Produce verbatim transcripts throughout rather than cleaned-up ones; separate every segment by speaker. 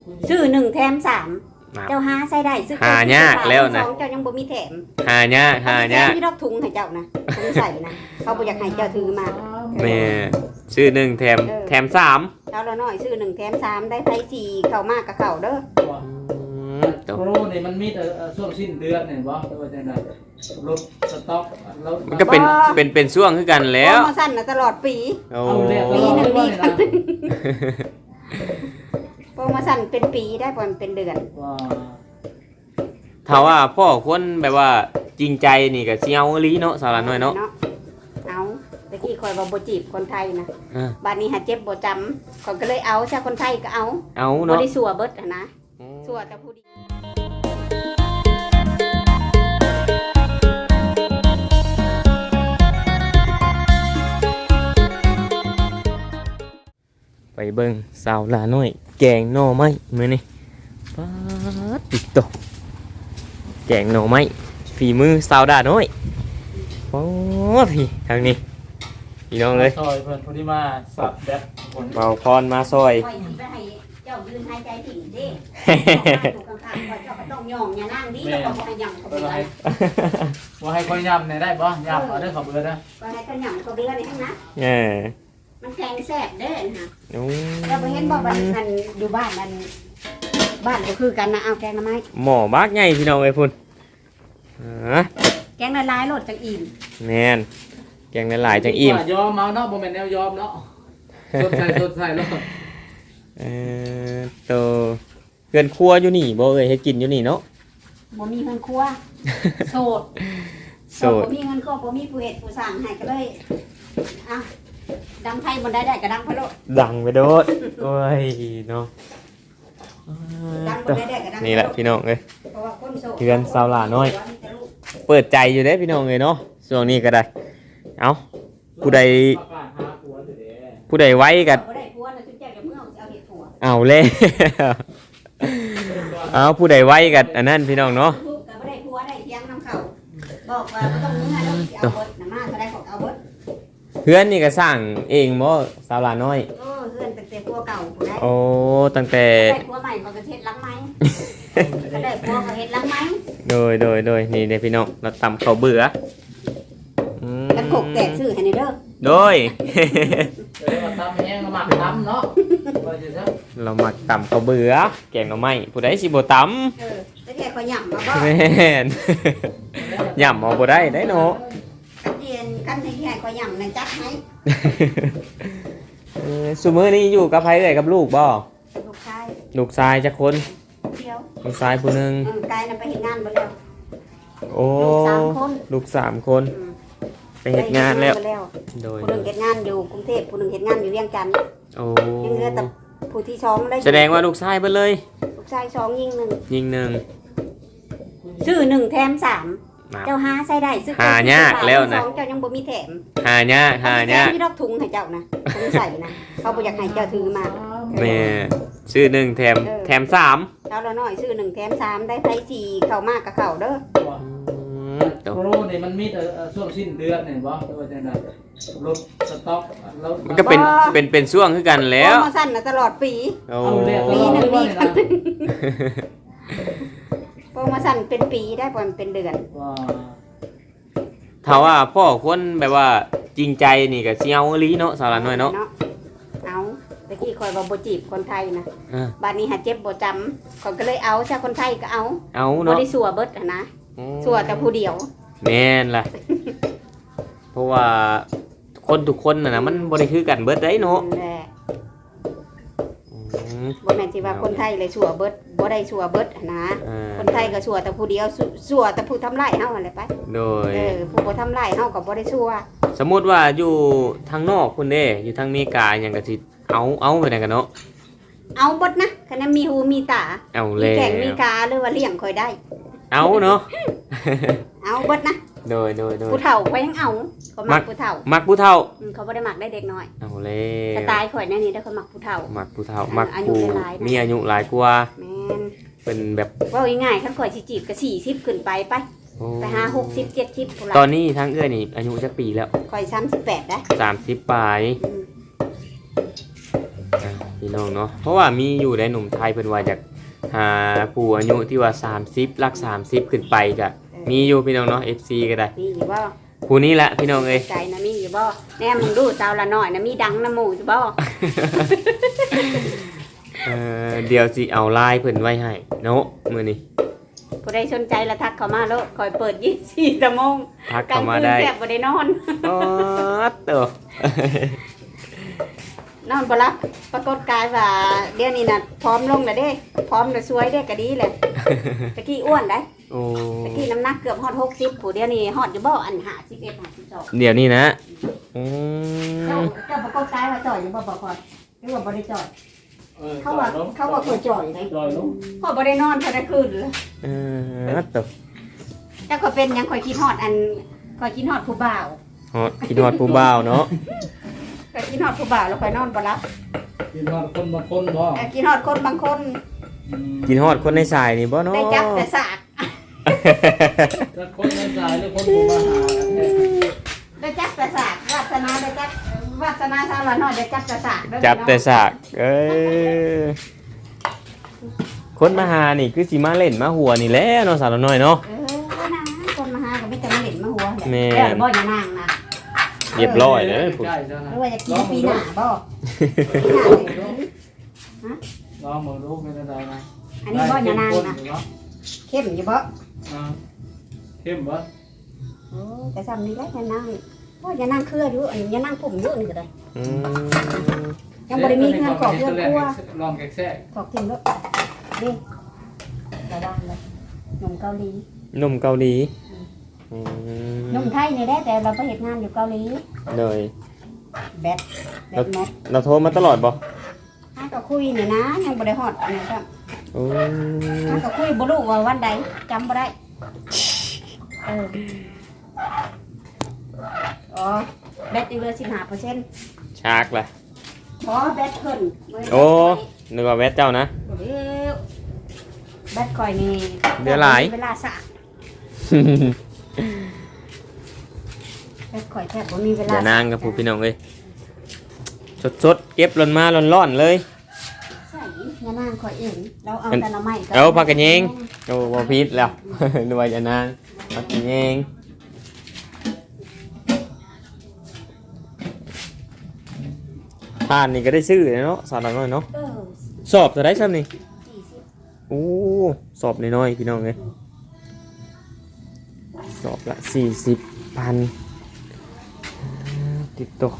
Speaker 1: ซื้อหนึ่งแถมสาม
Speaker 2: ครับ
Speaker 1: เจ้าหาใส่ได้ซื้อ
Speaker 2: หายากแล้วนะ
Speaker 1: สองเจ้ายังบ่มีแถม
Speaker 2: หายากหายาก
Speaker 1: ที่ดอกถุงให้เจ้านะถุงใส่นะเขาบ่อยากให้เจ้าถือมา
Speaker 2: แม่ซื้อหนึ่งแถม
Speaker 1: เออ
Speaker 2: แถมสาม
Speaker 1: เอาละน้อยซื้อหนึ่งแถมสามได้ไผสี่เข้ามากกับเข้าเด้อ
Speaker 2: อืมตัว
Speaker 3: โปรนี่มันมีแต่เอ่อช่วงสิ้นเดือนเนี่ยบ่ตัวจังได๋รถสต็อกรถ
Speaker 2: มันก็เป็นเป็นเป็นช่วงคือกันแล้ว
Speaker 1: โปรโมชั่นน่ะตลอดปี
Speaker 2: โอ้
Speaker 3: เอาเรียกต
Speaker 1: ปี
Speaker 3: ลอด
Speaker 1: หนึ่ง
Speaker 3: เลย
Speaker 1: ปี
Speaker 3: ว่านี่นะ
Speaker 1: โปรโมชั่นเป็นปีได้บ่มันเป็นเดือน
Speaker 3: ว่า
Speaker 2: ถ้าว่าพ่อคนแบบว่าจริงใจนี่ก็สิเอาอีหลีเนาะสาวหลานน้อยเนาะ
Speaker 1: เอาตะกี้คอยว่าบ่จีบคนไทยนะ
Speaker 2: อ่า
Speaker 1: บัดนี้หาเจ็บบ่จำเขาก็เลยเอาซะคนไทยก็เอา
Speaker 2: เอา
Speaker 1: บ่
Speaker 2: เนาะ
Speaker 1: ได้สัวเบิดอะนะสัวแต่ผู้ดี
Speaker 2: ไปเบิ่งสาวหลานน้อยแกงหน่อไม้มื้อนี้ป๊าดติดตกแกงหน่อไม้ฝีมือสาวดาน้อยโอ้พี่ทางนี้พี่น้องเลย
Speaker 3: ซอยเพิ่นผู้ที่มาสับแบตคน
Speaker 2: เบาพรมาซอย
Speaker 1: คอยสิไปให้เจ้ายืนหายใจถึงเด้ถูกข้างๆคอยเจ้าก็ต้องย่องอย่านั่งดิแล้วก็บ่ให้ย่ำเขาเบื่อ
Speaker 3: ว่าให้ค่อยย่ำเนี่ยได้บ่ย่ำเอาเด้อขอเบอร์นะ
Speaker 1: ก็ให้เขาย่ำเขาเบื่อนี่ทั้งนะ
Speaker 2: เออ
Speaker 1: มันแข็งแซ่บเด้อนะ
Speaker 2: โอ้
Speaker 1: เราไปเห็นบ่บ้านนั่นอยู่บ้านนั่นบ้านก็คือกันนะเอาแกงหน่อไม้
Speaker 2: หมอบากใหญ่พี่น้องเอ้ยพุ่นอ่า
Speaker 1: แกงละลายโลดจังอิ่ม
Speaker 2: แม่นแกงหลายๆจังอิ่ม
Speaker 3: ยอมเอาเนาะบ่แม่นแนวยอมเนาะสดใสสดใสแล้ว
Speaker 2: เออโตเกินครัวอยู่นี่บ่เอ้ยเฮ็ดกินอยู่นี่เนาะ
Speaker 1: บ่มีเงินครัวโสด
Speaker 2: โสด
Speaker 1: บ่มีเงินครัวบ่มีผู้เฮ็ดผู้สร้างให้ก็เลยอ่ะดังไผบ่ได้ได้ก็ดังพะโลด
Speaker 2: ดังไปโดดโอ้ยเนาะ
Speaker 1: ดังบ่ได้ได้ก็ดัง
Speaker 2: นี่แหละพี่น้องเอ้ย
Speaker 1: เพราะว่าคนโสด
Speaker 2: เพื่อนสาวหลาน้อย เปิดใจอยู่เด้พี่น้องเอ้ยเนาะช่วงนี้ก็ได้ เอ้าผู้ใด
Speaker 3: ประกาศหาผัวเด้อ
Speaker 2: ผู้ใดไว้กัน
Speaker 1: บ่ได้ผัวน่ะถึงเจ้าจะเมื่อเอาเฮ็ดผัว
Speaker 2: เอาเลย เอาผู้ใดไว้กันอันนั้นพี่น้องเนาะ
Speaker 1: ลูกก็บ่ได้ผัวได้เถียงนํเขาบอกว่าบ่ต้องมึงให้เราสิเอาเบิดน่ะมาก็ได้ของเอาเบิด
Speaker 2: เพื่อนนี่ก็สร้างเองบ่สาวหลาน้อย
Speaker 1: เออเฮือนตั้งแต่ผัวเก่าผู้ใด
Speaker 2: โอ้ตั้งแต่
Speaker 1: ได้ผัวใหม่เขาก็เฮ็ดหลังไม้ก็ได้ผัวก็เฮ็ดหลังไม้
Speaker 2: โดยโดยโดยนี่เด้พี่น้องเราตำข้าวเบื่ออืม
Speaker 1: กันกกแตกซื้อให้นี่เด้อ
Speaker 2: โดย
Speaker 3: เดี๋ยวมาตำแห้งมาหมักตำเนาะว่าจะซะ
Speaker 2: เรามาตำข้าวเบื่อแกงหน่อไม้ผู้ใดสิบ่ต
Speaker 1: เออแต่แกก็ย่ำมาบ่
Speaker 2: ำแม่น ย่ำเอาบ่ได้ได้เนาะ
Speaker 1: กันเรียนกันให้แกก็ย่ำนั่นจักให้
Speaker 2: เออซุมื้อนี้อยู่กับไผเอ่ยกับลูกบ่
Speaker 1: ลูกชาย
Speaker 2: ลูกชายจักคน
Speaker 1: เที่ยว
Speaker 2: ลูกชายผู้หนึง
Speaker 1: เออกายน่ะไปเฮ็ดงานบ่แล้ว
Speaker 2: โอ้
Speaker 1: ลูกสามคน
Speaker 2: ลูกสามคน
Speaker 1: อืม
Speaker 2: ไปเฮ็ดงานแล้ว
Speaker 1: ไปเฮ็ดงาน
Speaker 2: โดย
Speaker 1: ผู้หนึงเฮ็ดงานอยู่กรุงเทพผู้หนึงเฮ็ดงานอยู่เวียงจันทน์
Speaker 2: โอ้
Speaker 1: ยังเหลือแต่ผู้ที่สองได้
Speaker 2: แสดงว่าลูกชายเบิดเลย
Speaker 1: ลูกชายสองยิงหนึ่ง
Speaker 2: ยิงหนึ่ง
Speaker 1: ซื้อหนึ่งแถมสาม
Speaker 2: นะ
Speaker 1: เจ้าหาใส่ได้ซื้อ
Speaker 2: หายากแล้วนะ
Speaker 1: สองเจ้ายังบ่มีแถม
Speaker 2: หายากหายาก
Speaker 1: ที่ดอกถุงให้เจ้านะถุงใส่นะเขาบ่อยากให้เจ้าถือมา
Speaker 2: แม่ซื้อหนึ่งแถมแถมสาม
Speaker 1: เอาละน้อยซื้อหนึ่งแถมสามได้ไผสี่เข้ามากกับเข้าเด้อ
Speaker 2: อืมตัว
Speaker 3: โปรนี่มันมีแต่เอ่อช่วงสิ้นเดือนเนี่ยบ่ตัวจังได๋รถสต็อกรถ
Speaker 2: มันก็เป็นเป็นเป็นช่วงคือกันแล้ว
Speaker 1: โปรโมชั่นน่ะตลอดปี
Speaker 2: โอ้
Speaker 3: เอาเรียกต
Speaker 1: ปี
Speaker 3: ลอด
Speaker 1: หนึ่
Speaker 3: เลย
Speaker 1: ง
Speaker 3: ว่านี่นะ
Speaker 1: โปรโมชั่นเป็นปีได้บ่มันเป็นเดือน
Speaker 3: ว่า
Speaker 2: ถ้าว่าพ่อคนแบบว่าจริงใจนี่ก็สิเอาอีหลีเนาะสาวหลานน้อยเนาะ
Speaker 1: เอาตะกี้คอยว่าบ่จีบคนไทยนะ
Speaker 2: อ่า
Speaker 1: บัดนี้หาเจ็บบ่จำเขาก็เลยเอาซะคนไทยก็เอา
Speaker 2: เอา
Speaker 1: บ่
Speaker 2: เนาะ
Speaker 1: ได้สัวเบิดอะนะสัวแต่ผู้เดียว
Speaker 2: แม่นล่ะ เพราะว่าคนทุกคนน่ะนะมันบ่ได้คือกันเบิดได้เนาะ
Speaker 1: นั่นแหละ
Speaker 2: อืม
Speaker 1: บ่แม่นสิว่าคนไทยเลยสัวเบิดบ่ได้สัวเบิดอะนะ
Speaker 2: อ่า
Speaker 1: คนไทยก็สัวแต่ผู้เดียวสัวสัวแต่ผู้ทำร้ายเฮานั่นแหละไป
Speaker 2: โดย
Speaker 1: เออผู้บ่ทำร้ายเฮาก็บ่ได้สัว
Speaker 2: สมมุติว่าอยู่ทางนอกคุณเด้อยู่ทางอเมริกาหยังก็สิเอาเอาไปไหนกันเนาะ
Speaker 1: เอาเบิดนะคันนั้นมีหูมีตา
Speaker 2: เอา
Speaker 1: มี
Speaker 2: แล้ว
Speaker 1: แข้งมีขาหรือว่าเลี้ยงค่อยได้
Speaker 2: เอาเนาะ
Speaker 1: เอาเบิดนะ
Speaker 2: โดยโดยโดย
Speaker 1: ผู้เฒ่าก็ยังเอาเขามักผู้เฒ่า
Speaker 2: มักผู้เฒ่า
Speaker 1: อืมเขาบ่ได้มักได้เด็กน้อย
Speaker 2: เอาแล้
Speaker 1: ส
Speaker 2: ว
Speaker 1: ไตล์ข่อยแน่นี่ได้อเขามักผู้เฒ่า
Speaker 2: มักผู้เฒ่า
Speaker 1: อ่า
Speaker 2: มัก
Speaker 1: อายุ
Speaker 2: ผู้
Speaker 1: หลายๆนะ
Speaker 2: มีอายุหลายกว่า
Speaker 1: แม่น
Speaker 2: เป็นแบบ
Speaker 1: เว่าง่ายๆคันข่อยสิจีบก็สี่สิบขึ้นไปไป
Speaker 2: โอ้
Speaker 1: ไปหาหกสิบเจ็ดสิบพุ่น
Speaker 2: ตอ
Speaker 1: ละ
Speaker 2: นนี้ทั้งเอื้อนี่อายุจักปีแล้ว
Speaker 1: ข่อยสามสิบแปดนะ
Speaker 2: สามสิบปลาย
Speaker 1: อืม
Speaker 2: อ่าพี่น้องเนาะเพราะว่ามีอยู่ในหนุ่มไทยเพิ่นว่าจากหาผู้อายุที่ว่าสามสิบลักสามสิบขึ้นไปก็มีอยู่พี่น้องเนาะ เอฟ ซี ก็ได้
Speaker 1: มีอยู่บ่
Speaker 2: ผู้นี้แหละพี่น้องเอ้ย
Speaker 1: ใจนะมีอยู่บ่แน่มึงดูสาวละน้อยนะมีดังน้ำหมูอยู่บ่
Speaker 2: เออเดี๋ยวสิเอาไลน์เพิ่นไว้ให้เนาะมื้อนี้
Speaker 1: ผู้ใดสนใจละทักเข้ามาโลดคอยเปิดยี่สิบสี่ชั่วโมง
Speaker 2: ทัก
Speaker 1: กลา
Speaker 2: เข้าง มา
Speaker 1: คืน
Speaker 2: ได้
Speaker 1: แทบบ่ได้นอน
Speaker 2: อ๋อเตอน
Speaker 1: อนบ่รับปรากฏกายว่าเดี๋ยวนี้น่ะพร้อมลงแล้วเด้พร้อมแล้วสวยเด้ก็ดีแหละตะกี้อ้วนได้
Speaker 2: โอ้
Speaker 1: ตะกี้น้ำหนักเกือบฮอดหกสิบผู้เดี๋ยวนี้ฮอดอยู่บ่อันห้าสิบเอ็ด ห้าสิบสอง
Speaker 2: เดี๋ยวนี้นะอื
Speaker 1: เจ้าม เจ้าปรากฏกายว่าจ่อยอยู่บ่บ่พอหรือว่าบ่ได้จ่อย
Speaker 3: เออ
Speaker 1: เขาว่าเขาว่าเคยจ่อยเลย
Speaker 3: จอยลง
Speaker 1: พอบ่ได้นอนพอได้คืนเลย
Speaker 2: เออเตอ
Speaker 1: แต่ก็เป็นหยังคอยคิดฮอดอันคอยคิดฮอดผู้บ่าว
Speaker 2: ฮอดคิดฮอดผู้บ่าวเนาะ
Speaker 1: คอยคิดฮอดผู้บ่าวแล้วคอยนอนบ่หลับ
Speaker 3: กินฮอดคนบางคนบ่
Speaker 1: แต่คิดฮอดคนบางคน
Speaker 3: อืม
Speaker 2: กินฮอดคนในสายนี่บ่เนาะ
Speaker 1: ได้จับแต่สาก
Speaker 3: จะคนในสายหรือคนผู้มาหากันแท้
Speaker 1: ได้จับแต่สากวาสนาได้จับวาสนาสาวละน้อยได้จับแต่สากเด้อ
Speaker 2: จับแต่สากเอ้ยคนมาหานี่คือสิมาเล่นมาหัวนี่แหละเนาะสาวน้อยเนาะ
Speaker 1: เออนะคนมาหาก็ไม่จะมาเล่นมาหัวแหละ
Speaker 2: แม่
Speaker 1: แล้วบ่อย่านางนะ
Speaker 2: เรียบร้อยเลย
Speaker 3: ใกล้ๆจ้ะ
Speaker 1: ห
Speaker 3: นะ
Speaker 1: รือว่าจะกินปีหน้าบ่ปีหน้าเลยกิน
Speaker 3: ลองมือลูกเป็นอะไรนะ
Speaker 1: อันนี้บ่อย่านางนะ
Speaker 3: ได้
Speaker 1: เข้มอยู่บ่
Speaker 3: เข้มบ่อ่าเข้มบ่
Speaker 1: โอ้แต่ซ้ำนี่แหละอย่านางบ่อย่านางเครืออยู่อันนี้อย่านางผมอยู่นี่ก็ได้
Speaker 2: อืม
Speaker 1: ยังบ่ได้มีเงินขอเพื่อนครัว
Speaker 3: ลองแกะแซ่
Speaker 1: ขอบคุณด้วยนี่ระวังเลยหนุ่มเกาหลี
Speaker 2: หนุ่มเกาหลีอืม
Speaker 1: หนุ่มไทยนี่ได้แต่เราไปเห็นงานอยู่เกาหลี
Speaker 2: เลย
Speaker 1: แบทแบทแมท
Speaker 2: เราโทรมาตลอดบ่
Speaker 1: ถ้าก็คุยนี่นะยังบ่ได้ฮอดอันนี้ครับ
Speaker 2: โอ้
Speaker 1: ถ้าก็คุยบ่รู้ว่าวันใดจำบ่ได้เอออ๋อแบตยังเหลือสิบห้าเปอร์เซ็นต์
Speaker 2: ชากล่ะ
Speaker 1: ขอแบตเพิ่นเว้ย
Speaker 2: โอ้นึกว่าแวะเจ้านะ
Speaker 1: เดี๋ยวแบตข่อยนี่
Speaker 2: เดี๋ยวหลาย
Speaker 1: เวลาสระแบตข่อยแทบบ่มีเวลา
Speaker 2: อย่านางกับผู้พี่น้องเอ้ยสดๆเก็บร้อนมาร้อนๆเลย
Speaker 1: ใช่ยานางข่อยเองเราเอาแต่ละไม้
Speaker 2: เอาผักกระเยง โอ้บ่ผิดแล้ว นึกว่าอย่านางมากินเองทานนี่ก็ได้ซื้อเนาะสาวน้อยเนาะ
Speaker 1: เออ
Speaker 2: สอบจะได้ซ้ำนี่
Speaker 1: สี่สิบ
Speaker 2: โอ้สอบน้อยๆพี่น้องเอ้ยสอบละสี่สิบพันติดตัว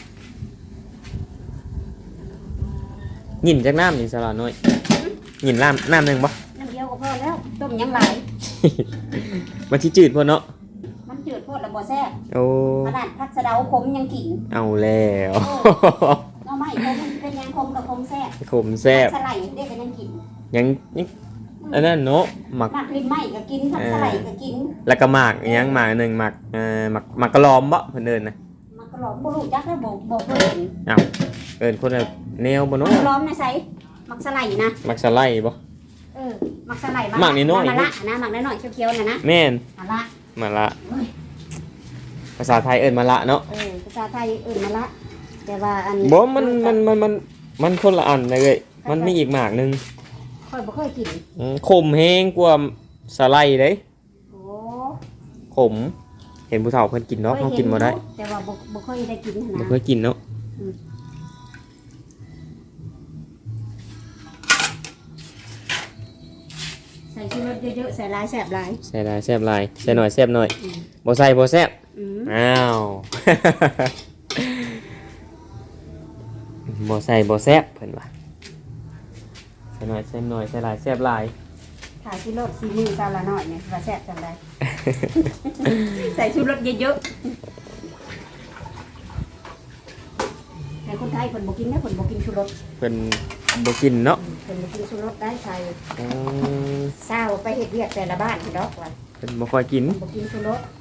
Speaker 2: หยินจากน้ำนี่สลาน้อยหยินน้ำน้ำหนึ่งปะ
Speaker 1: น้ำเดียวก็พอแล้วต้มยังไหลาย
Speaker 2: มันที่จืดพอเนาะ
Speaker 1: มันจืดโพดแล้วบ่แซ่บ
Speaker 2: โอ้
Speaker 1: ขนาดพักสะเดาขมยังกิน
Speaker 2: เอาแล้ว
Speaker 1: เนาะไม่ขมเป็นยังคมกับคมแซ่บ
Speaker 2: ขมแซ่บ
Speaker 1: ผักสไลด์เด็กก็ยังกิน
Speaker 2: ยังยังอันนั้นเนาะหมัก
Speaker 1: หมักลิ้นไหม้ก็กินผักสไลด์ก็กิน
Speaker 2: แล้วก็หมักอีกอยังหมักหนึ่งหมักเอ่อหมักหมักกระลอมบ่เพิ่นเอิ้นนะ
Speaker 1: หมักกระหล่อมบ่รู้จักได้บ่บ่เคยเห็น
Speaker 2: อ้าวเอิ้นคนละแนวบ่
Speaker 1: หมั
Speaker 2: เนาะ
Speaker 1: กกระหล่อมในไสหมักสไลด์นะ
Speaker 2: หมักสไลด์บ่
Speaker 1: เออหมักสไลด์
Speaker 2: หมักนิดหน่อย
Speaker 1: มะละนะหมักน้อยๆเขียวๆน่ะนะ
Speaker 2: แม่น
Speaker 1: มะละ
Speaker 2: มาละ
Speaker 1: เฮ้ย
Speaker 2: ภาษาไทยเอิ้นมาละเนาะ
Speaker 1: เออภาษาไทยเอื่นมะละแต่ว่าอัน
Speaker 2: บ่มันมันมันมันมันคนละอันเลยเว้ยมันมีอีกหมากหนึง
Speaker 1: ค่อยบ่ค่อยกิน
Speaker 2: อืมขมแฮงกว่าสไลด์เด้
Speaker 1: โอ้
Speaker 2: ขม เห็นผู้เฒ่าเพิ่นกินเนาะเฮากินบ่ได้
Speaker 1: แต่ว่าบ่บ่ค่อยได้กิน
Speaker 2: บ่
Speaker 1: นะ
Speaker 2: เคยกินเนาะ
Speaker 1: ใส่ชูรสเยอะๆใส่หลายแซ่บหลาย
Speaker 2: ใส่หลายแซ่บหลายใส่หน่อยแซ่บหน่อยบ่ใส่บ่แซ่บ
Speaker 1: อืม
Speaker 2: อ้าว บ่ใส่บ่แซ่บเพิ่นว่าใส่หน่อยแซ่บหน่อยใส่หลายแซ่บหลาย
Speaker 1: ถ้าชูรสซีมือซาละน้อยเนี่ยว่าแซ่บจังได ใส่ชูรสเยอะๆแต่คนไทยเพิ่นบ่กินนะเพิ่นบ่กินชูรส
Speaker 2: เพิ่นบ่กินเนาะ
Speaker 1: เพิ่นบ่กินชูรสได้ใส่
Speaker 2: อืม
Speaker 1: เศร้าไปเฮ็ดเวียกแต่ละบ้านดอกว่า
Speaker 2: เพิ่นบ่ค่อยกิน
Speaker 1: บ่กินชูรส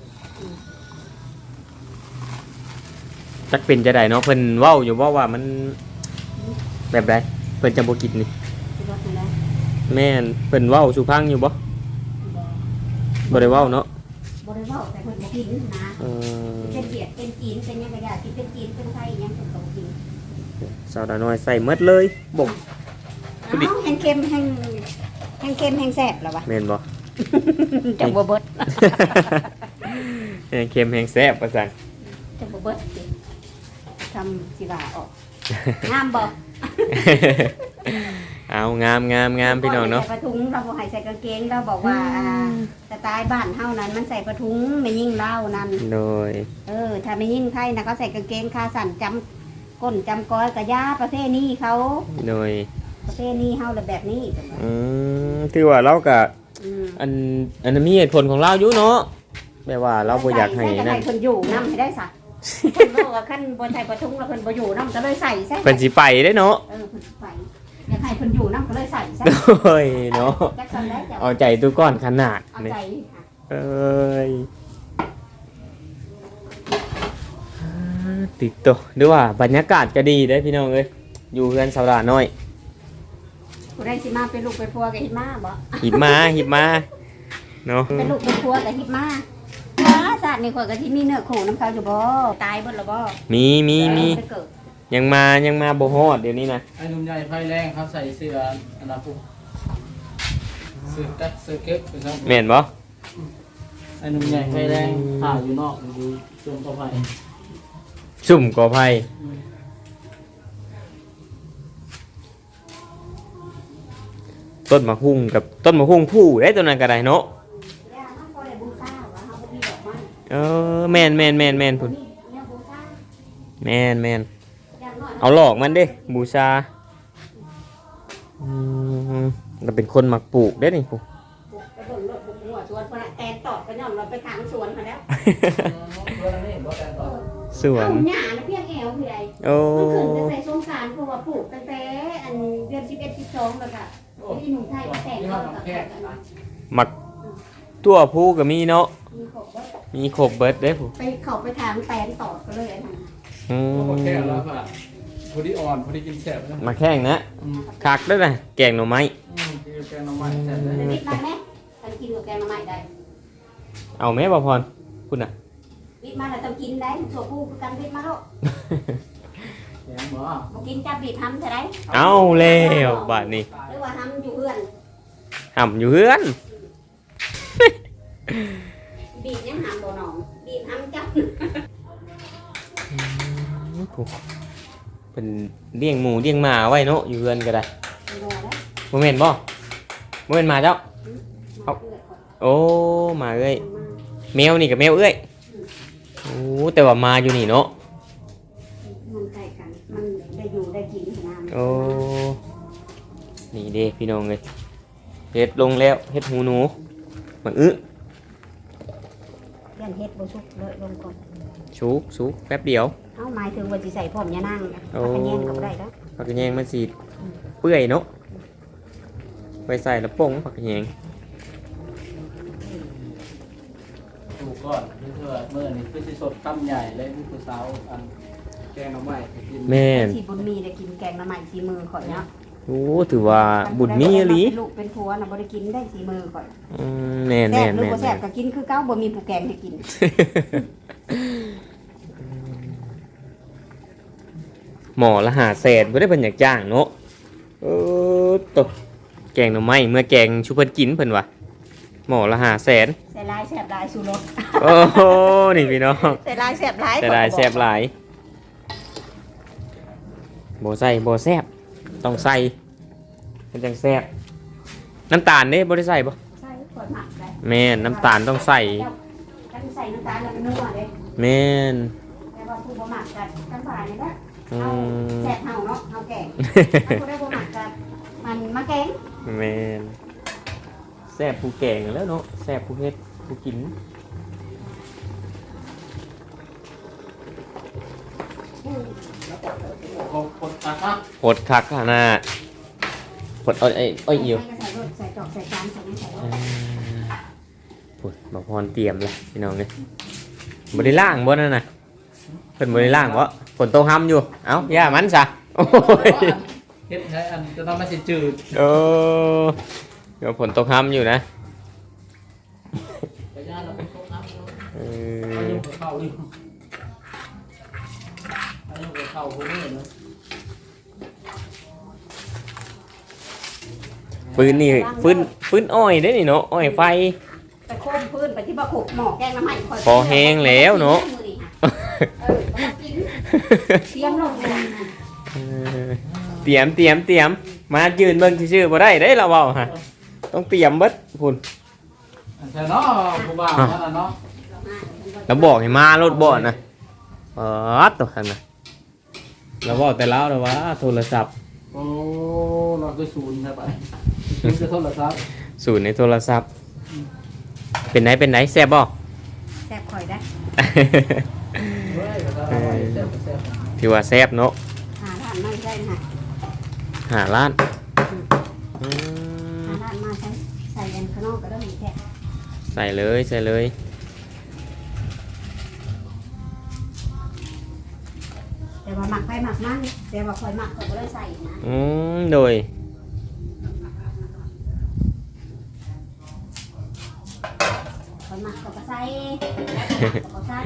Speaker 2: จักเป็นจะได้เนาะเพิ่นเว้าอยู่บ่ว่ามันแบบใดเพิ่นจะบ่กินนี่
Speaker 1: ชูรสนั่นแหละ
Speaker 2: แม่นเพิ่นเว้าสู่พังอยู่บ่
Speaker 1: บ่
Speaker 2: บ่ได้เว้าเนาะ
Speaker 1: บ่ได้เว้าแต่เพิ่นบ่กินนะ
Speaker 2: เออ
Speaker 1: เป็นเวียดเป็นจีนเป็นหยังก็ได้กินเป็นจีนเป็นไทยหยังเพิ่นก็บ่กิน
Speaker 2: สาวดาน้อยใส่หมดเลยบ่ง
Speaker 1: เอ้าแห้งเค็มแห้งแห้งเค็มแห้งแซ่บแล้ววะ
Speaker 2: แม่นบ่
Speaker 1: จังบ่เบิด
Speaker 2: แห้งเค็มแห้งแซ่บว่าซั่น
Speaker 1: จังบ่เบิดสิทำสิว่าออกงามบ่
Speaker 2: เอางามงามงามพี่น้องเนาะ
Speaker 1: ใส่ผ้าถุงเราบ่ให้ใส่กางเกงเราบอกว่าอ่าสไตล์บ้านเฮานั้นมันใส่ผ้าถุงไม่ยิ่งเล่านั่น
Speaker 2: โดย
Speaker 1: เออถ้าไม่ยิ่งไทยนะเขาใส่กางเกงขาสั้นจำก้นจำก้อยกะยาประเภทนี้เขา
Speaker 2: โดย
Speaker 1: ประเภทนี้เฮาเลยแบบนี้จังหวะ
Speaker 2: อืมถือว่าเราก็
Speaker 1: อืม
Speaker 2: อันอันนั้นมีเหตุผลของเราอยู่เนาะแปลว่าเราบ่อยากให้
Speaker 1: ใส่
Speaker 2: นั่
Speaker 1: ใส่
Speaker 2: น
Speaker 1: เพิ่นอยู่นำให้ได้ซะเพิ่นบอกว่าคันบ่ใส่ผ้าถุงแล้วเพิ่นบ่อยู่นำก็เลยใส่ซะ
Speaker 2: เพิ่นสิไปได้เนาะ
Speaker 1: เออเพิ่นสิไปอยากให้เพิ่นอยู่นำก็เลยใส่ซะ
Speaker 2: โอ้ยเนาะ
Speaker 1: จักซั่นได้จ้ะ
Speaker 2: เอาใจตัวก้อนขนาด
Speaker 1: เอา
Speaker 2: นี่
Speaker 1: ใจค่ะ
Speaker 2: เอ้ยติดตัวหรือว่าบรรยากาศก็ดีได้อพี่น้องเอ้ยอยู่เฮือนสาวดาน้อย
Speaker 1: ผู้ใดสิมาเป็นลูกเป็นผัวก็เฮ็ดมาบ่
Speaker 2: หิบมาหิบมาเนาะ
Speaker 1: เป็นลูกเป็นผัวก็เฮ็ดมาอ้าศาสตร์นี่ข่อยก็สิมีเนื้อคู่นำเขาอยู่บ่ตายเบิดแล้วบ่
Speaker 2: มีมีมี
Speaker 1: ไปเกิด
Speaker 2: ยังมายังมาบ่ฮอดเดี๋ยวนี้นะ
Speaker 3: ไอ้หนุ่มใหญ่ไฟแรงเขาใส่เสื้ออันนั้นปุ๊บเสื้อกัดเสื้อเก็บเป็นครับ
Speaker 2: แม่นบ่
Speaker 3: ไอ้หนุ่มใหญ่ไฟแรงถ่ายอยู่นอกอยู่ชมต่อไป
Speaker 2: สุ่มกอไผ่ต้นมะฮุ่งกับต้นมะฮุ่งผู้ได้ตัวนั้นก็ได้เนาะ
Speaker 1: ย่าเฮาบ่ได้บูชาว่าเฮาบ่มีดอกไม้
Speaker 2: เออแม่นแม่นแม่นแม่นพุ่น
Speaker 1: นี่เนี่ยบูชา
Speaker 2: แม่นแม่น
Speaker 1: อย่างน้อย
Speaker 2: เอาหลอกมันเด้บูชาอืมเราเป็นคนมักปลูกได้นี่ผู้
Speaker 1: ไปเบิ่งรถบุกหัวสวนเพิ่นน่ะแตนตอดก็ย่อมเราไปทางสวนเขาแล้ว
Speaker 3: เพื่อนนี่บ่แต่ต่อ
Speaker 2: สวน
Speaker 1: เอาหญ้าน่ะเพียงแอวคือใด
Speaker 2: โอ้
Speaker 1: มันขึ้นตั้งแต่สงกรานต์เพราะว่าปลูกตั้งแต่อันเดือนสิบเอ็ด สิบสองแล้วก็ที่หนุ่มไทยก็แต่งเอากับ
Speaker 2: มักตัวผู้ก็มีเนาะ
Speaker 1: มีขบว่า
Speaker 2: มีครบเบิดเด้ผู้
Speaker 1: ไปเข้าไปทางแตนตอดก็เลยอันนั้น
Speaker 2: อื
Speaker 3: พอแค่
Speaker 2: ม
Speaker 3: แล้วค่ะพอดีอ่อนพอดีกินแซ่บนะ
Speaker 2: มาแข่งนะ
Speaker 3: อืม
Speaker 2: คักเด้อนะแกงหน่อไม้
Speaker 3: อืมกินแกงน้ำมันแซ่บเลย
Speaker 1: เดี๋ยวนิดมาไหมอันกินกับแกงมาใหม่ได้
Speaker 2: เอาแม่บ่พรคุณน่ะ
Speaker 1: วิทมาแล้วต้องกินได้ถั่วปูคือกันวิทมาแล้ว
Speaker 3: แกงบ่
Speaker 1: บ่กินจับบีบทำใช่ไหม
Speaker 2: เอาแล้วบาดนี้
Speaker 1: หรือว่าทำอยู่เพื่อน
Speaker 2: ห่ำอยู่เฮือน
Speaker 1: บีบยังหำบ่หนองบีบทำจับ
Speaker 2: ผู้เป็นเลี้ยงหมูเลี้ยงหมาไว้เนาะอยู่เฮือนก็ได้
Speaker 1: รอแล้ว
Speaker 2: บ่แม่นบ่บ่แม่นหมาเจ้า โอ้หมาเอ้ยแมวนี่กับแมวเอ้ยโอ้แต่ว่ามาอยู่นี่เนาะ
Speaker 1: มันใกล้กัน มันได้อยู่ได้กินขนาด
Speaker 2: โอ้นี่เด้พี่น้องเลยเฮ็ดลงแล้วเฮ็ดหูหนูมันอึ
Speaker 1: ยันเฮ็ดบ่สุกเลยลงก่อน
Speaker 2: ชุกชุกแป๊บเดียว
Speaker 1: เอ้าหมายถึงว่าสิใส่พร้อมยานั่งนะ
Speaker 2: โอ้
Speaker 1: ถ้าแยงก็บ่ได้แล้ว
Speaker 2: ผักกระแยงมันสีเปื่อยเนาะไปใส่แล้วป่งผักกระแยง
Speaker 3: ถูกก่อนเพื่อเมื่อนี่คือสิสดคำใหญ่เลยนี่คือสาวอันแกงน้ำใหม่กิน
Speaker 2: แม่น
Speaker 1: สิบุญมีได้กินแกงน้ำใหม่สีมือข่อยเนาะ
Speaker 2: โอ้ถือว่าบุญมีอีหลี
Speaker 1: เป็นลูกเป็นผัวน่ะบ่ได้กินได้สีมือข่อย
Speaker 2: อืมแม่น
Speaker 1: แซ่
Speaker 2: แม่
Speaker 1: บ
Speaker 2: น
Speaker 1: หรือ
Speaker 2: แม่น
Speaker 1: บ่แซ่บก็กินคือเก่าบ่มีผู้แกงให้กิน
Speaker 2: หมอละหาแสนบ่ได้เพิ่นอยากจ้างเนาะเออตกแกงหน่อไม้เมื่อแกงชุบเพิ่นกินเพิ่นว่าหมอละหาแสน
Speaker 1: ใส่ลายแซ่บลายสู่รส
Speaker 2: โอ้โหนี่พี่น้อง
Speaker 1: ใส่ลายแซ่บลาย
Speaker 2: แต่ได้แซ่บหลายโบใส่โบแซ่บต้องใส่มันจังแซ่บน้ำตาลนี่บ่ได้ใส่บ่
Speaker 1: ใส่ข่อยหมักได้
Speaker 2: แม่นน้ำตาลต้องใส่
Speaker 1: ถ้าใส่น้ำตาลแล้วมันนัวเด้
Speaker 2: แม่น
Speaker 1: แต่ว่าผู้บ่หมักกันกันผ่านนี่แหละ
Speaker 2: อื
Speaker 1: เอา
Speaker 2: ม
Speaker 1: แซ่บเฮาเนาะเฮาแกงถ้าผู้ได้บ่หมักกันมันมาแกง
Speaker 2: แม่นแซ่บผู้แกงแล้วเนาะแซ่บผู้เฮ็ดผู้กิน
Speaker 3: โอ้โหคนตาครับ
Speaker 2: โหดคักขนาดโหดเอ้อยเอ้ยเอ้อยอิว
Speaker 1: ใส่รสใส่จอกใส่จานใส่ไม่ใส่ร
Speaker 2: อ่า
Speaker 1: ส
Speaker 2: โหดบอกพรเตรียมเลยพี่น้องเอ้ยบ่ได้ล่างบ่นั่นน่ะเพิ่นบ่ได้ล่างบ่ฝนตกห้ำอยู่เอ้าย่ามันซะโอ้ย
Speaker 3: เฮ็ดให้อันจะทำให้สิจืด
Speaker 2: เออเดี๋ยวฝนตกห้ำอยู่นะ
Speaker 3: ไปย่าเราไปตกน้ำเนาะ
Speaker 2: เอ
Speaker 3: อา
Speaker 2: อ
Speaker 3: ยุเข้าอยู่อายุเข้าพวกนี้เนาะ
Speaker 2: ฟืนนี่ฟืนฟืนอ้อยได้นี่เนาะอ้อยไฟ
Speaker 1: ไปโค้งพื้นไปที่บ่ขุกหมอกแกงน้ำมันคอย
Speaker 2: พอแห้งแล้วเนาะ
Speaker 1: เออบ่กินเสียงลงเลย
Speaker 2: เออเตรียมเตรียมเตรียมมายืนเบิ่งชื่อๆบ่ได้เด้เราเว้าฮะต้องเตรียมเบิดพุ่น
Speaker 3: ใช่เนาะผู้บ่าวนั่นน่ะเนาะ
Speaker 2: แล้วบอกให้มารถบ่นะเออตัวคั่นน่ะเราบอกแต่แล้วแล้วว่าโทรศัพท์
Speaker 3: โอ้เราคือศูนย์ใช่ปะศูนย์จะโทษเหรอครับ
Speaker 2: ศูนย์ในโทรศัพท์ เป็นไหนเป็นไหนแซ่บบ่
Speaker 1: แซ่บคอยได้
Speaker 3: เฮ้ยภาษาอะไรแซ่บแซ่บ
Speaker 2: ที่ว่าแซ่บเนาะ
Speaker 1: หาร้านมาได้ค่ะ
Speaker 2: หาร้านอื
Speaker 1: หาม ร้านมาใช้ใส่ยันข้างนอกก็ได้มีแค่
Speaker 2: ใส่เลยใส่เลย
Speaker 1: แต่ว่าหมักไปหมักมันแต่ว่าคอยหมักก็บ่ได้ใส่นะ
Speaker 2: อืมโดย
Speaker 1: คอยหมักก็บ่ใส่ก็บ่ใส่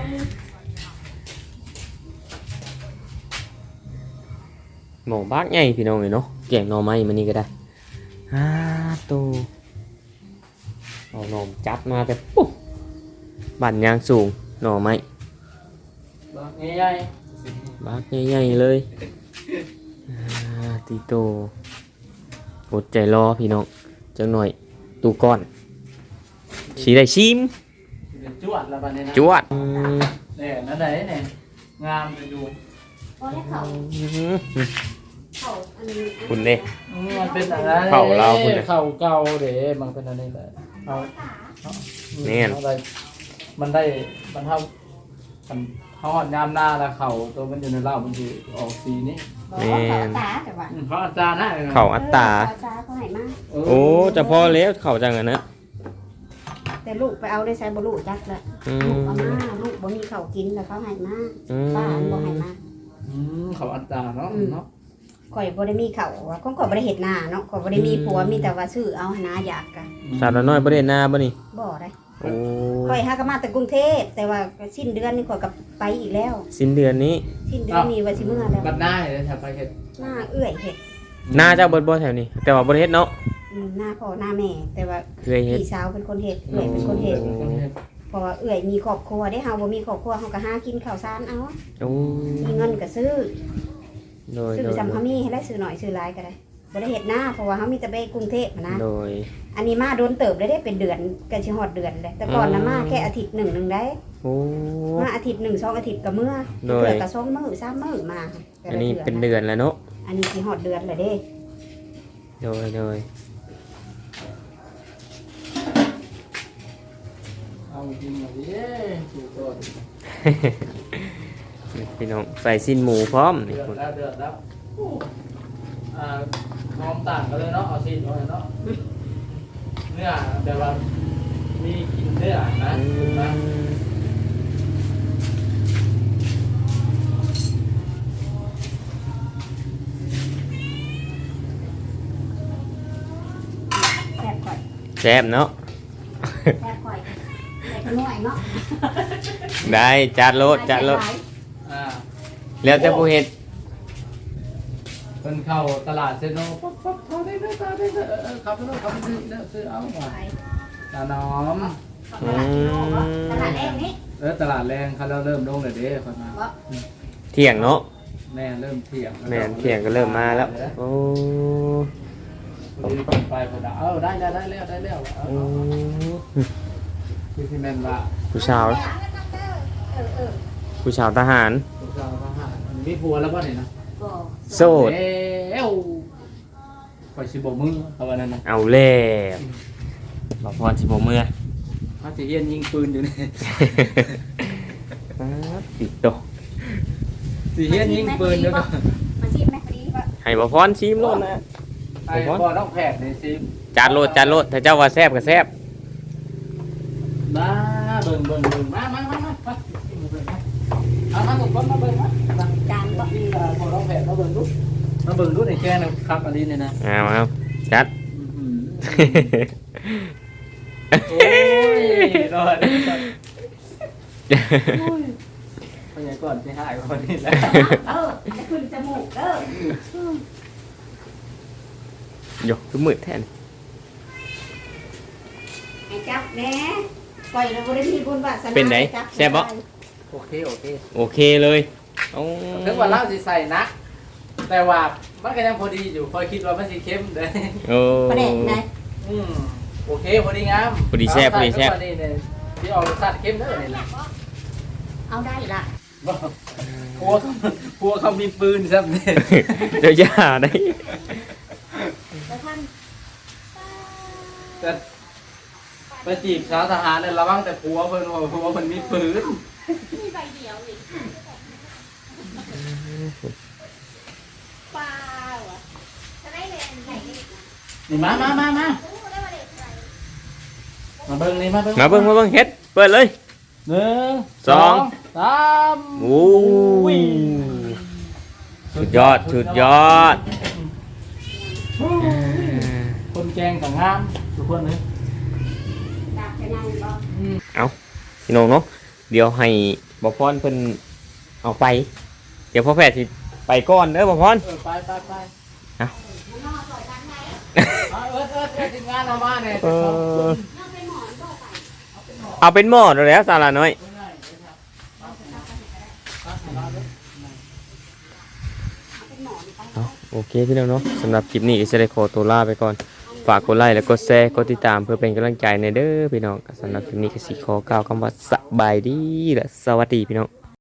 Speaker 2: หมูบากใหญ่พี่น้องเอ้ยเนาะแกงหน่อไม้มันนี่ก็ได้ฮ่าตูเอาหน่อมจับมาแต่ปุ๊บบั่นยางสูงหน่อไม้
Speaker 3: ง่าย
Speaker 2: บากใหญ่ๆเลยอ่าตีโตอดใจรอพี่น้องจังหน่อยตูก้อนสีได้ชิม
Speaker 3: ๆจวดละบัดนี้นะ
Speaker 2: จวดอืม
Speaker 3: เนี่ยนั่นไหนเนี่ยงามไปดู
Speaker 1: พอแล้วเขาเขาอันนี้
Speaker 2: คุณเด้
Speaker 3: อืมมันเป็นอะไร
Speaker 2: เข่าเราคุณเนี่ย
Speaker 3: เข่าเก่าเด้มันเป็นอะไรแหละเอา
Speaker 2: เนี่ย
Speaker 3: อาได้มันได้มันเท่ามันเขาหอดยามหน้าแล้วเข่าตัวมันอยู่ในเหล้ามันอยู่ออกสีนี้
Speaker 1: บอกว่าเขาตาแต่ว่า
Speaker 3: อืมเขาอาจารย์นะ
Speaker 2: เข่าอัตตา
Speaker 1: เออตาเขาให้มา
Speaker 2: โอ้จะพอแล้วเข่าจังอะนะ
Speaker 1: แต่ลูกไปเอาได้ใช้บ่ลูกจักละ
Speaker 2: อื
Speaker 1: ลูก
Speaker 2: ม
Speaker 1: เอามาลูกบ่มีข้าวกินแล้วเขาให้มา
Speaker 2: อื
Speaker 1: ป้าอันบ่
Speaker 2: ม
Speaker 1: ให้มา
Speaker 3: อืมเขาอัตราเนาะเนาะ
Speaker 1: ข่อยบ่ได้มีข้าวว่าของข่อยบ่ได้เฮ็ดนาเนาะข่อยบ่ได้มีผัวมีแต่ว่าซื้อเอาหาอยากกะ
Speaker 2: สาวน้อยประเด็นหน้าบ่นี่
Speaker 1: บ่ได้
Speaker 2: โอ้
Speaker 1: ข่อยหาก็มาแต่กรุงเทพแต่ว่าสิ้นเดือนนี่ข่อยก็ไปอีกแล้ว
Speaker 2: สิ้นเดือนนี้
Speaker 1: สิ้นเดือนนี้ว่าสิเมื่อแล้ว
Speaker 3: บัดได้เลยแถวไปเห็ด
Speaker 1: หน้าเอื้อยเฮ็ด
Speaker 2: หน้าเจ้าเบิดบ่แถวนี้ แต่ว่าบ่ได้เฮ็ดเนาะ
Speaker 1: อืมหน้าพ่อหน้าแม่แต่ว่า
Speaker 2: เคยเฮ็ด
Speaker 1: พี่สาวเป็นคนเฮ็ดเอื้อยเป็นคนเฮ็ด
Speaker 3: คนเห็ด
Speaker 1: เพราะว่าเอื้อยมีครอบครัวได้เฮาบ่มีครอบครัวเฮาก็หากินข้าวสารเอา
Speaker 2: โอ้
Speaker 1: มีเงินก็ซื้อ
Speaker 2: โดย
Speaker 1: ซื้
Speaker 2: โด
Speaker 1: อย จำเขามีให้ได้ซื้อหน่อยซื้อหลายก็ได้บ่ได้เฮ็ดหน้าเพราะว่าเฮามีแต่ไปกรุงเทพนะ
Speaker 2: โดย
Speaker 1: อันนี้มาโดนเติบได้ได้เป็นเดือนกันชิฮอดเดือนเลยแต่ก่อนนะมาแค่อาทิตย์หนึ่งหนึ่งได้
Speaker 2: โอ้
Speaker 1: มาอาทิตย์หนึ่งสองอาทิตย์กับเมื่อ
Speaker 2: โดย
Speaker 1: เถื่อกระสองมื้อสามมื้อมาแต่
Speaker 2: อัน
Speaker 1: ละ
Speaker 2: นี้
Speaker 1: ทื่
Speaker 2: เป็นเดือนแล้วเนาะ
Speaker 1: อันนี้ชิฮอดเดือนเลยเด้
Speaker 2: โดยโดย
Speaker 3: เอาจริงเหรอเย้ถูกต้น
Speaker 2: พี่น้องใส่สิ้นหมูพร้อม
Speaker 3: เดื
Speaker 2: นี่
Speaker 3: อด
Speaker 2: คุณ
Speaker 3: แล้วเดือดแล้วอ่าพร้อมต่างกันเลยเนาะเอาซีนเอาเนาะเนื้อแบบว่ามีกินเนื้อนะถูกไหม
Speaker 1: แซ่บก่อย
Speaker 2: แซ่บเนาะ
Speaker 1: แซ่บก่อยแต่ขนุ่ยเนาะ
Speaker 2: ได้จัดโลดจัดโลด
Speaker 3: อ่า
Speaker 2: แล้วแต่ผู้เฮ็ด
Speaker 3: เป็นเข้าตลาดเซโนปั๊บปั๊บเขาได้เนื้อตาได้เนื้อเออเออขับไปแล้วขับไปซื้อเนื้อซื้อเอาหน่อยตาน้อม
Speaker 1: ตลาดกิโลเนาะตลาดแรกนี้
Speaker 3: เออตลาดแรงเขาแล้วเริ่มลงเลยเด้คนมา
Speaker 2: เที่ยงเนาะ
Speaker 3: แม่เริ่มเที่ยง
Speaker 2: แม่นเที่ยงก็เริ่มมาแล้วโอ้
Speaker 3: พอดีคนไปคนละเออได้ได้ได้แล้วได้แล้วเอา
Speaker 2: โอ้
Speaker 3: คือที่แม่นว่า
Speaker 2: ผู้ชาว
Speaker 1: เออเออ
Speaker 2: ผู้ชาวทหาร
Speaker 3: ลูกสาวทหารมีผัวแล้วป่ะเนี่ยนะ
Speaker 1: ก็
Speaker 2: โสด
Speaker 3: เอ้วคอยสิบมือเอาวันนั้นนะ
Speaker 2: เอาแล้วบอกพรสิบ่เมื่อ
Speaker 3: เขาจะเฮียนยิงปืนอยู่นี่
Speaker 2: ป๊าดติดโต
Speaker 3: สิเฮียนยิงปืนอยู่นะ
Speaker 1: มาชิมไหมพอดีป่ะ
Speaker 2: ให้บ่พรชิมโลดนะ
Speaker 3: ไอ้บอต้องแผดในซิม
Speaker 2: จานโลดจานโลดถ้าเจ้าว่าแซ่บก็แซ่บ
Speaker 3: มาเบิ่งเบิ่งเบิ่งมามามามามาเอามาถูกคนมาเบิ่งมา
Speaker 1: จานบ่
Speaker 3: ที่พอต้องแผดมาเบิ่งดูมาเบิ่งดูในแกงนะครับอันนี้เนี่ยนะ
Speaker 2: เอาเอาจัด
Speaker 3: โอ้ยรอดไปไหนก่อนไปหายคนนี้แล้ว
Speaker 1: เออจะขึ้นจมูกเด้อย
Speaker 2: กคือมืดแทน
Speaker 1: จับแหน่ปล่อยเราบ่ได้มีบุญวาสนา
Speaker 2: เป็นไงแซ่บบ่
Speaker 3: โอเคโอเค
Speaker 2: โอเคเลยโอ้
Speaker 3: ถึงว่าเราสิใส่นัก แต่ว่ามันก็ยังพอดีอยู่คอยคิดว่ามันสิเข้มเด้
Speaker 2: โอ้
Speaker 1: ประเด็นไหน
Speaker 3: อืมโอเคพอดีงาม
Speaker 2: พอดีแซ่บพอดีแซ่บ
Speaker 3: นี่เนี่ยที่ออกรสชาติเข้มเด้อนี่นะ
Speaker 1: เอาได้ละ
Speaker 3: พวกพวกเขามีปืนซับเนี่ย
Speaker 2: เดี๋ยวอย่าได้
Speaker 1: แล้วท่าน
Speaker 3: แต่ไปจีบสาวทหารเนี่ยระวังแต่ผัวเพิ่นว่าผัวเพิ่นมีปืน
Speaker 1: มีใบเดียวนี่ปลาเหรอจะได้เลยไหนนี่
Speaker 3: นี่มามามามามาเบิ่งนี่มาเบิ่ง
Speaker 2: มาเบิ่งมาเบิ่งเฮ็ดเปิดเลย
Speaker 3: หนึ่ง
Speaker 2: สอง
Speaker 3: สาม
Speaker 2: โอ้ยสุดยอดสุดยอด
Speaker 3: คนแกงกับงามทุกคนเลย
Speaker 1: ดาบจะยังบ่
Speaker 2: เอาพี่น้องเนาะเดี๋ยวให้บ่พรเพิ่นเอาไป เดี๋ยวพ่อแพทย์สิไปก่อนเด้อบ่พร
Speaker 3: เออไปไปไป
Speaker 1: มันนอนปล่อยกันไหน
Speaker 3: เอาเอิร์ดเอิร์ดเอิร์ดทีมงานเอามาเนี่ย
Speaker 2: เออ
Speaker 1: นอนเป็นหมอนบ่ไป
Speaker 2: เอาเป็นหม้อแล้วสาระน้อย
Speaker 1: เอาเป็นหมอนไป
Speaker 2: เอาโอเคพี่น้องเนาะสำหรับคลิปนี้ก็จะได้ขอตัวลาไปก่อน ฝากกดไลค์และกดแชร์กดติดตามเพื่อเป็นกำลังใจในเด้อพี่น้องสำหรับคลิปนี้ก็สิขอกล่าวคำว่าสบายดีและสวัสดีพี่น้อง